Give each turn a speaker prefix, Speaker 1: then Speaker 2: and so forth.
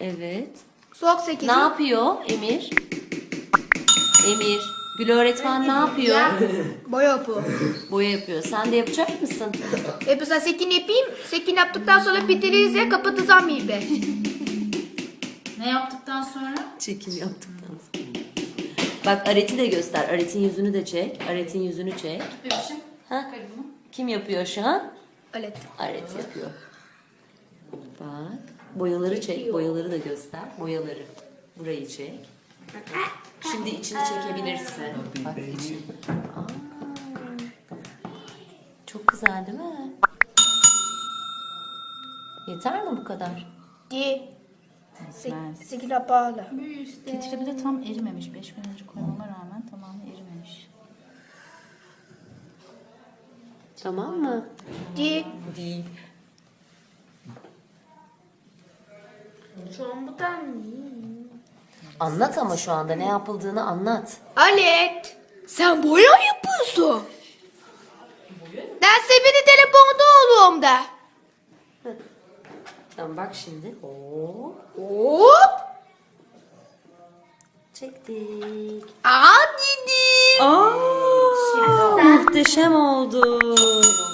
Speaker 1: Evet.
Speaker 2: Soğuk 8'i.
Speaker 1: Ne yapıyor Emir? Emir. Gül öğretmen ne yapıyor?
Speaker 2: Boya yapıyor.
Speaker 1: Boya yapıyor. Sen de yapacak mısın?
Speaker 2: Mesela sekin yapayım. Sekin yaptıktan sonra bitiririz ya kapatacağım ipi.
Speaker 3: Ne yaptıktan sonra?
Speaker 1: Çekim yaptıktan sonra. Bak Aret'i de göster. Aret'in yüzünü de çek. Aret'in yüzünü çek.
Speaker 3: Bebişim.
Speaker 1: Ha? Kim yapıyor şu an?
Speaker 2: Evet.
Speaker 1: Aret yapıyor. Bak. Boyaları çek. Boyaları da göster. Boyaları. Burayı çek. Şimdi içini çekebilirsin. Bak içini. Aa, çok güzel değil mi? Yeter mi bu kadar?
Speaker 2: Di.
Speaker 3: Yetmez.
Speaker 2: Sekin pahalı.
Speaker 3: Filtre bir de tam erimemiş. 5 gün önce koymama rağmen tamamen erimemiş.
Speaker 1: Tamam mı?
Speaker 2: Di.
Speaker 1: Değil.
Speaker 2: Şu an bu da
Speaker 1: Anlat ama şu anda ne yapıldığını anlat.
Speaker 2: Alet. Sen boya yapıyorsun. Ben sepeti telefonda oluyorum da.
Speaker 1: Tamam bak şimdi. Oo,
Speaker 2: Hop.
Speaker 1: çektik.
Speaker 2: Aa dedim.
Speaker 1: Aa, muhteşem oldu.